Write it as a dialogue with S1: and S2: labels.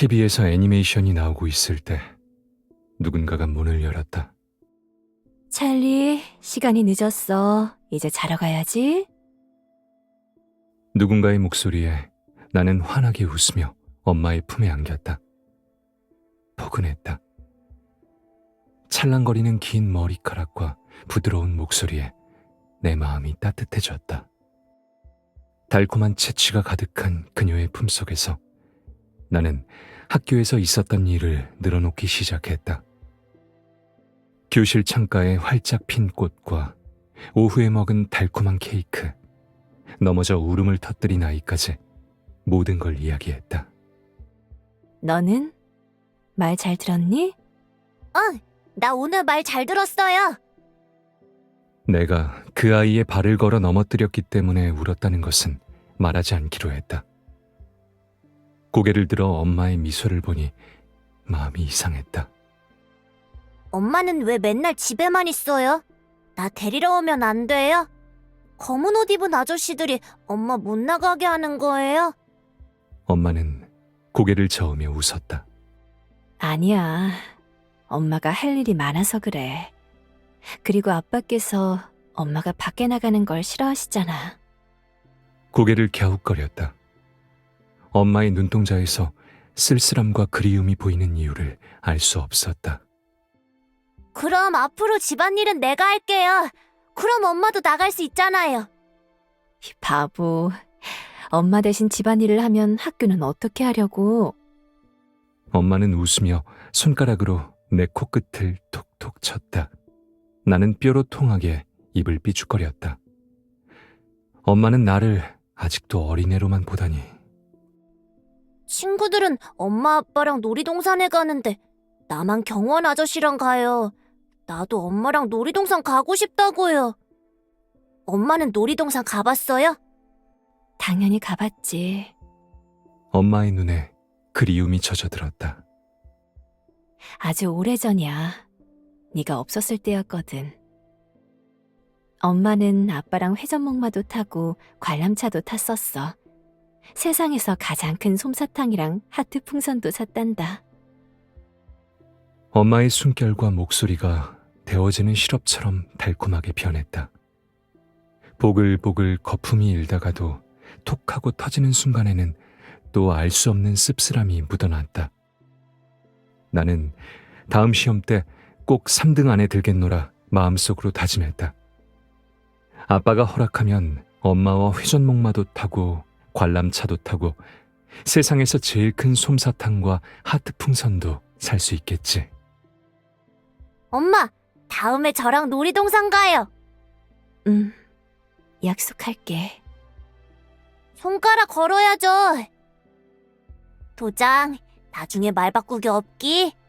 S1: TV에서 애니메이션이 나오고 있을 때 누군가가 문을 열었다.
S2: 찰리, 시간이 늦었어. 이제 자러 가야지.
S1: 누군가의 목소리에 나는 환하게 웃으며 엄마의 품에 안겼다. 포근했다. 찰랑거리는 긴 머리카락과 부드러운 목소리에 내 마음이 따뜻해졌다. 달콤한 채취가 가득한 그녀의 품속에서 나는 학교에서 있었던 일을 늘어놓기 시작했다. 교실 창가에 활짝 핀 꽃과 오후에 먹은 달콤한 케이크, 넘어져 울음을 터뜨린 아이까지 모든 걸 이야기했다.
S2: 너는? 말 잘 들었니?
S3: 나 오늘 말 잘 들었어요.
S1: 내가 그 아이의 발을 걸어 넘어뜨렸기 때문에 울었다는 것은 말하지 않기로 했다. 고개를 들어 엄마의 미소를 보니 마음이 이상했다.
S3: 엄마는 왜 맨날 집에만 있어요? 나 데리러 오면 안 돼요? 검은 옷 입은 아저씨들이 엄마 못 나가게 하는 거예요?
S1: 엄마는 고개를 저으며 웃었다.
S2: 아니야. 엄마가 할 일이 많아서 그래. 그리고 아빠께서 엄마가 밖에 나가는 걸 싫어하시잖아.
S1: 고개를 갸웃거렸다. 엄마의 눈동자에서 쓸쓸함과 그리움이 보이는 이유를 알 수 없었다.
S3: 그럼 앞으로 집안일은 내가 할게요. 그럼 엄마도 나갈 수 있잖아요.
S2: 이 바보. 엄마 대신 집안일을 하면 학교는 어떻게 하려고?
S1: 엄마는 웃으며 손가락으로 내 코끝을 톡톡 쳤다. 나는 뾰로통하게 입을 삐죽거렸다. 엄마는 나를 아직도 어린애로만 보다니.
S3: 친구들은 엄마 아빠랑 놀이동산에 가는데 나만 경원 아저씨랑 가요. 나도 엄마랑 놀이동산 가고 싶다고요. 엄마는 놀이동산 가봤어요?
S2: 당연히 가봤지.
S1: 엄마의 눈에 그리움이 젖어들었다.
S2: 아주 오래전이야. 네가 없었을 때였거든. 엄마는 아빠랑 회전목마도 타고 관람차도 탔었어. 세상에서 가장 큰 솜사탕이랑 하트 풍선도 샀단다.
S1: 엄마의 숨결과 목소리가 데워지는 시럽처럼 달콤하게 변했다. 보글보글 거품이 일다가도 톡하고 터지는 순간에는 또 알 수 없는 씁쓸함이 묻어났다. 나는 다음 시험 때 꼭 3등 안에 들겠노라 마음속으로 다짐했다. 아빠가 허락하면 엄마와 회전목마도 타고 관람차도 타고 세상에서 제일 큰 솜사탕과 하트 풍선도 살 수 있겠지.
S3: 엄마, 다음에 저랑 놀이동산 가요.
S2: 약속할게.
S3: 손가락 걸어야죠. 도장, 나중에 말 바꾸기 없기.